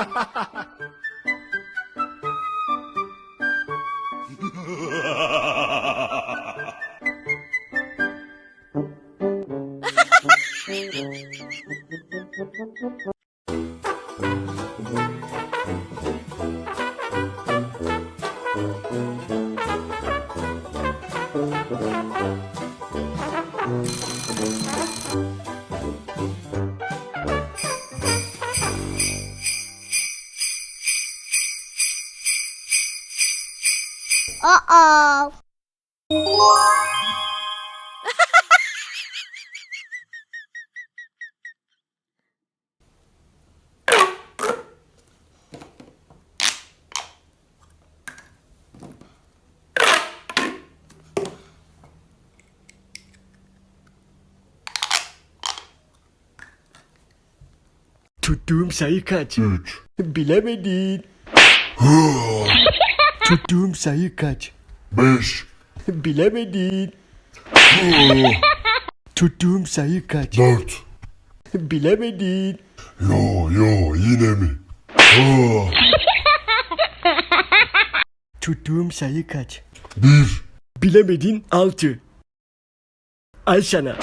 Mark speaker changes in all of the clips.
Speaker 1: Uh-oh.
Speaker 2: Tuttuğum sayı kaç?
Speaker 3: 3.
Speaker 2: Bilemedin. Tuttuğum sayı kaç?
Speaker 3: 5.
Speaker 2: Bilemedin. Tuttuğum sayı kaç?
Speaker 3: 4.
Speaker 2: Bilemedin.
Speaker 3: Yo yine mi? Aa,
Speaker 2: Tuttuğum sayı kaç?
Speaker 3: 1.
Speaker 2: Bilemedin 6. Al sana.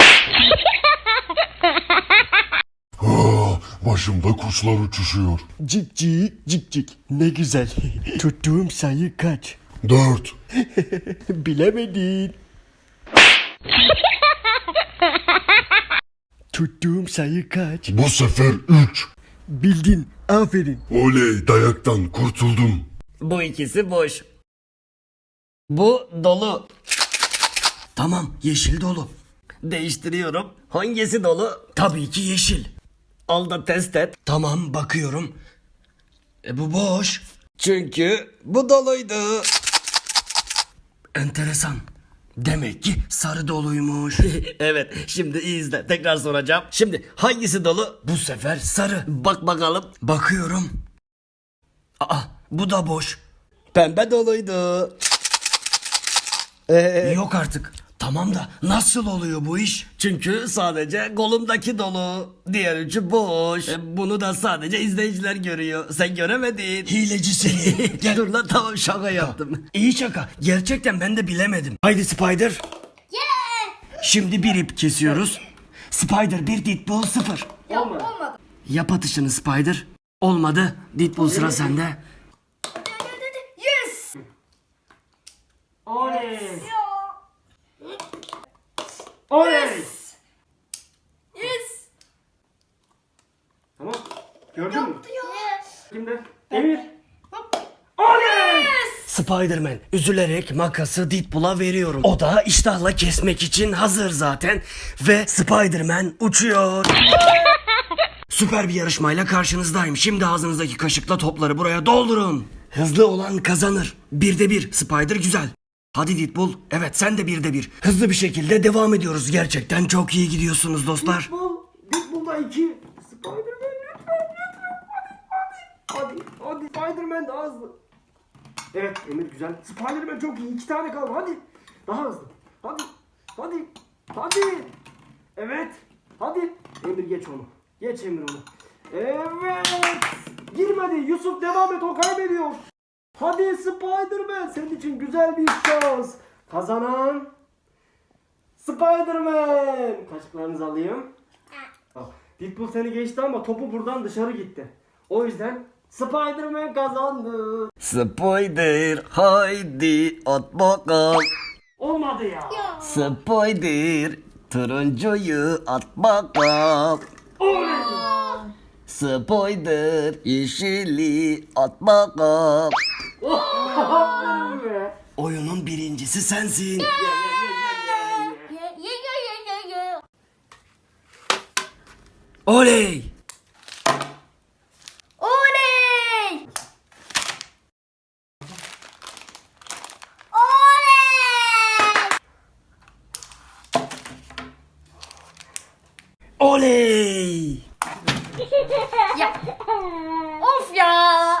Speaker 3: Başımda kuşlar uçuşuyor.
Speaker 2: Cik cik cik cik. Ne güzel. Tuttuğum sayı kaç?
Speaker 3: 4.
Speaker 2: Bilemedin. Tuttuğum sayı kaç?
Speaker 3: Bu sefer 3.
Speaker 2: Bildin. Aferin.
Speaker 3: Oley, dayaktan kurtuldum.
Speaker 4: Bu ikisi boş. Bu dolu. Tamam, yeşil dolu. Değiştiriyorum. Hangisi dolu? Tabii ki yeşil. Al da test et. Tamam, bakıyorum. Bu boş. Çünkü bu doluydu. Enteresan. Demek ki sarı doluymuş. Evet, şimdi iyi izle. Tekrar soracağım. Şimdi hangisi dolu? Bu sefer sarı. Bak bakalım. Bakıyorum. Aa, bu da boş. Pembe doluydu. Yok artık. Tamam da nasıl oluyor bu iş? Çünkü sadece kolumdaki dolu. Diğer üçü boş. Bunu da sadece izleyiciler görüyor. Sen göremedin. Hileci seni. Gel. Dur lan, tamam, şaka yaptım. İyi şaka. Gerçekten ben de bilemedim. Haydi Spider. Şimdi bir ip kesiyoruz. Spider 1, Deadpool 0.
Speaker 1: Olmadı.
Speaker 4: Yap atışını Spider. Olmadı. Deadpool, sıra sende.
Speaker 1: Yes.
Speaker 2: Oley.
Speaker 1: Yes.
Speaker 2: Tamam. Gördün mü?
Speaker 1: Yes.
Speaker 2: Şimdi Emir.
Speaker 4: Spider-Man üzülerek makası Deadpool'a veriyorum. O da iştahla kesmek için hazır zaten. Ve Spider-Man uçuyor. Süper bir yarışmayla karşınızdayım. Şimdi ağzınızdaki kaşıkla topları buraya doldurun. Hızlı olan kazanır. 1'de 1. Spider güzel. Hadi Deadpool. Evet, sen de 1'de 1. Hızlı bir şekilde devam ediyoruz. Gerçekten çok iyi gidiyorsunuz dostlar.
Speaker 2: Deadpool'da 2. Spider-Man lütfen. Hadi Spider-Man daha hızlı. Evet Emir güzel. Spider-Man çok iyi. 2 tane kaldı. Hadi. Daha hızlı. Hadi. Evet. Hadi. Emir geç onu. Geç Emir onu. Evet. Girmedi. Yusuf devam et. O kaybediyor. Hadi Spider-Man. Senin için güzel bir şans. Kazanan Spider-Man. Kaşıklarınızı alayım. Al. Deadpool seni geçti ama topu buradan dışarı gitti. O yüzden Spider-Man kazandı.
Speaker 4: Spider haydi at bakalım.
Speaker 2: Olmadı ya.
Speaker 4: Spider turuncuyu at bakalım. Spider yeşili at bakalım.
Speaker 2: Aferin be.
Speaker 4: Oyunun birincisi sensin. Oley!
Speaker 1: Oley! Oley!
Speaker 4: Oley!
Speaker 1: Ya. Of ya.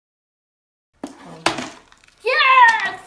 Speaker 1: Yes.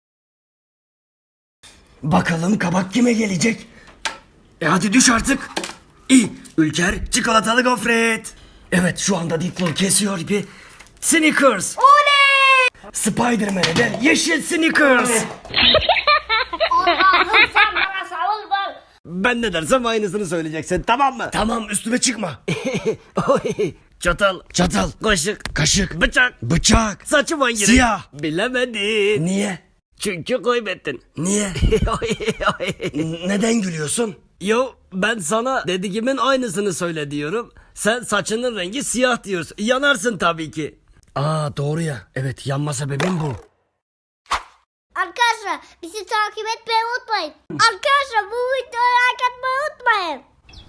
Speaker 4: Bakalım kabak kime gelecek? Hadi düş artık. İyi. Ülker çikolatalı gofret. Evet, şu anda Deadpool kesiyor ipi. Snickers.
Speaker 1: Oley!
Speaker 4: Spider-Man'e de yeşil Snickers.
Speaker 1: Allah'ım sen bana savun bol.
Speaker 4: Ben ne dersem aynısını söyleyeceksin, tamam mı? Tamam, üstüme çıkma. Çatal. Çatal. Kaşık. Kaşık. Bıçak. Bıçak. Saçım hangi renk? Siyah. Bilemedin. Niye? Çünkü kaybettin. Niye? Neden gülüyorsun? Yo, ben sana dediğimin aynısını söyle diyorum. Sen saçının rengi siyah diyorsun. Yanarsın tabii ki. Aa, doğru ya. Evet, yanma sebebim bu.
Speaker 1: Arkadaşlar bizi takip etmeyi unutmayın. Arkadaşlar bu videoyu like atmayı unutmayın.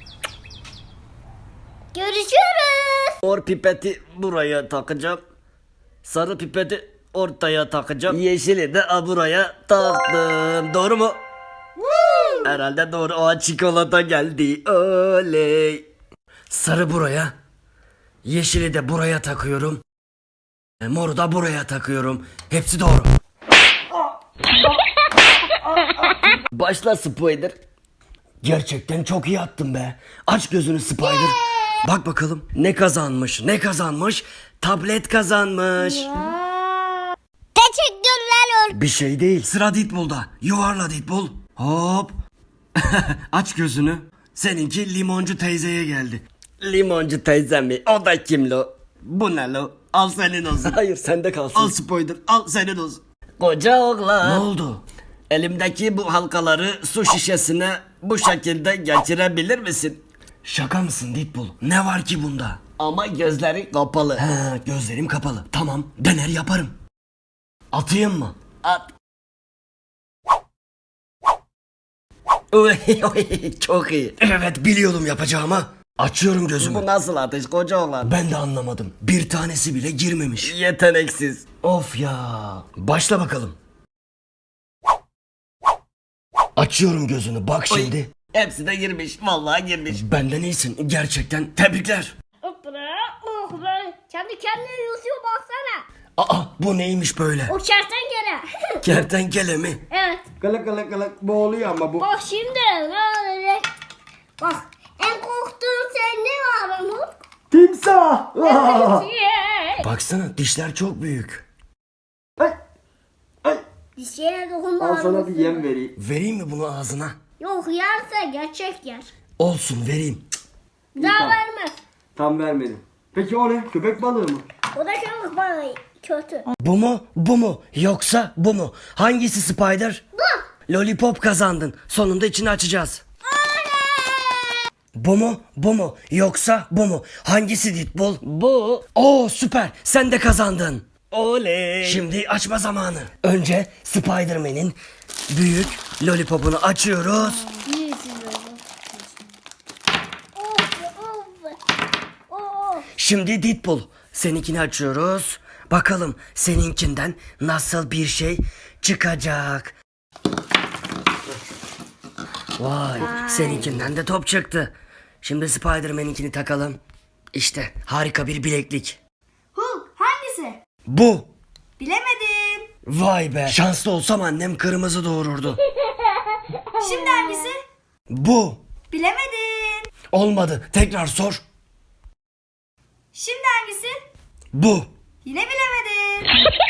Speaker 1: Görüşürüz.
Speaker 4: Mor pipeti buraya takacağım. Sarı pipeti ortaya takacağım. Yeşili de buraya taktım. Doğru mu? Herhalde doğru. O çikolata geldi. Oley. Sarı buraya. Yeşili de buraya takıyorum. Moru da buraya takıyorum. Hepsi doğru. Başla Spider. Gerçekten çok iyi attın be. Aç gözünü Spider. Bak bakalım ne kazanmış, ne kazanmış? Tablet kazanmış.
Speaker 1: Teşekkürler.
Speaker 4: Bir şey değil. Sıra Deadpool'da. Yuvarla Deadpool. Hop. Aç gözünü. Seninki limoncu teyzeye geldi. Limoncu teyze mi? O da kim lo? Bu ne lo? Al senin olsun. Hayır, sende kalsın. Al Spider, al senin olsun. Koca oğlan. Ne oldu? Elimdeki bu halkaları su şişesine bu şekilde geçirebilir misin? Şaka mısın Deadpool? Ne var ki bunda? Ama gözleri kapalı. He, gözlerim kapalı. Tamam, dener yaparım. Atayım mı? At. Çok iyi. Evet, biliyordum yapacağımı. Açıyorum gözümü. Bu nasıl atış koca oğlan? Ben de anlamadım. Bir tanesi bile girmemiş. Yeteneksiz. Of ya. Başla bakalım. Açıyorum gözünü, bak şimdi. Hepsi de girmiş. Vallahi girmiş. Benden iyisin. Gerçekten tebrikler.
Speaker 1: Oh be. Kendi kendine yüzüyor baksana.
Speaker 4: Aa, bu neymiş böyle?
Speaker 1: O kertenkele.
Speaker 4: Kertenkele mi?
Speaker 1: Evet.
Speaker 2: Kılık kılık kılık boğuluyor ama bu.
Speaker 1: Bak şimdi ne olacak? Bak en korktuğun sen ne var Umut?
Speaker 2: Timsah.
Speaker 4: Baksana, dişler çok büyük.
Speaker 2: Ay. Ay.
Speaker 1: Bir şeye dokunma.
Speaker 2: Al sana bir yem vereyim.
Speaker 4: Vereyim mi bunu ağzına?
Speaker 1: Yok yerse gerçek yer.
Speaker 4: Olsun, vereyim.
Speaker 1: Bir daha
Speaker 2: tamam.
Speaker 1: vermez.
Speaker 2: Tam vermedim. Peki o ne? Köpek balığı mı?
Speaker 1: O da köpek balığı kötü.
Speaker 4: Bu mu? Bu mu? Yoksa bu mu? Hangisi Spider?
Speaker 1: Bu.
Speaker 4: Lollipop kazandın. Sonunda içini açacağız. Bu mu? Bu mu? Yoksa bu mu? Hangisi Deadpool? Bu. Oo, süper. Sen de kazandın. Oley. Şimdi açma zamanı. Önce Spider-Man'in büyük lollipopunu açıyoruz.
Speaker 1: Büyüsün böyle. Oh.
Speaker 4: Şimdi Deadpool, seninkini açıyoruz. Bakalım seninkinden nasıl bir şey çıkacak. Vay, seninkinden de top çıktı. Şimdi Spider-Man'inkini takalım. İşte harika bir bileklik.
Speaker 1: Hulk hangisi?
Speaker 4: Bu.
Speaker 1: Bilemedim.
Speaker 4: Vay be. Şanslı olsam annem kırmızı doğururdu.
Speaker 1: Şimdi hangisi?
Speaker 4: Bu.
Speaker 1: Bilemedim.
Speaker 4: Olmadı. Tekrar sor.
Speaker 1: Şimdi hangisi?
Speaker 4: Bu.
Speaker 1: Yine bilemedim.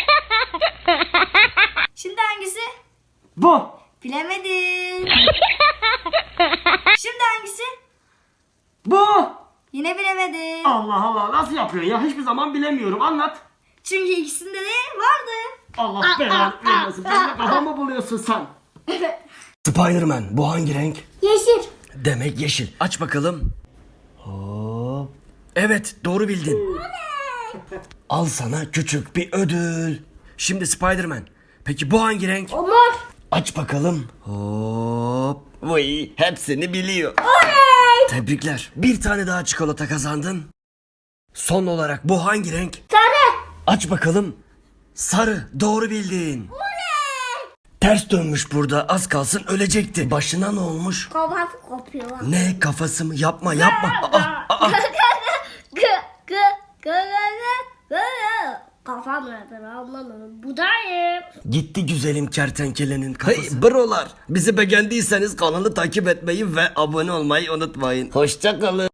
Speaker 1: Şimdi hangisi?
Speaker 2: Bu.
Speaker 1: Bilemedim. Şimdi hangisi?
Speaker 2: Bu.
Speaker 1: Yine bilemedim.
Speaker 2: Allah Allah, nasıl yapıyorsun ya? Hiçbir zaman bilemiyorum. Anlat.
Speaker 1: Çünkü ikisinde de vardı.
Speaker 2: Allah belanı vermesin. Sen de kafamı buluyorsun sen.
Speaker 4: Spider-Man, bu hangi renk?
Speaker 1: Yeşil.
Speaker 4: Demek yeşil. Aç bakalım. Hop. Evet, doğru bildin. Al sana küçük bir ödül. Şimdi Spider-Man. Peki bu hangi renk?
Speaker 1: O mor.
Speaker 4: Aç bakalım. Hop. Vay, hepsini biliyor.
Speaker 1: Oley.
Speaker 4: Tebrikler. Bir tane daha çikolata kazandın. Son olarak bu hangi renk?
Speaker 1: Sarı.
Speaker 4: Aç bakalım. Sarı. Doğru bildin. Ters dönmüş burada. Az kalsın ölecekti. Başına ne olmuş?
Speaker 1: Kafası kopuyor.
Speaker 4: Ne, kafası mı? Yapma yapma. Aa.
Speaker 1: Kafam nereden anlamadım. Budayım.
Speaker 4: Gitti güzelim kertenkelenin kafası. Hey brolar, bizi beğendiyseniz kanalı takip etmeyi ve abone olmayı unutmayın. Hoşça kalın.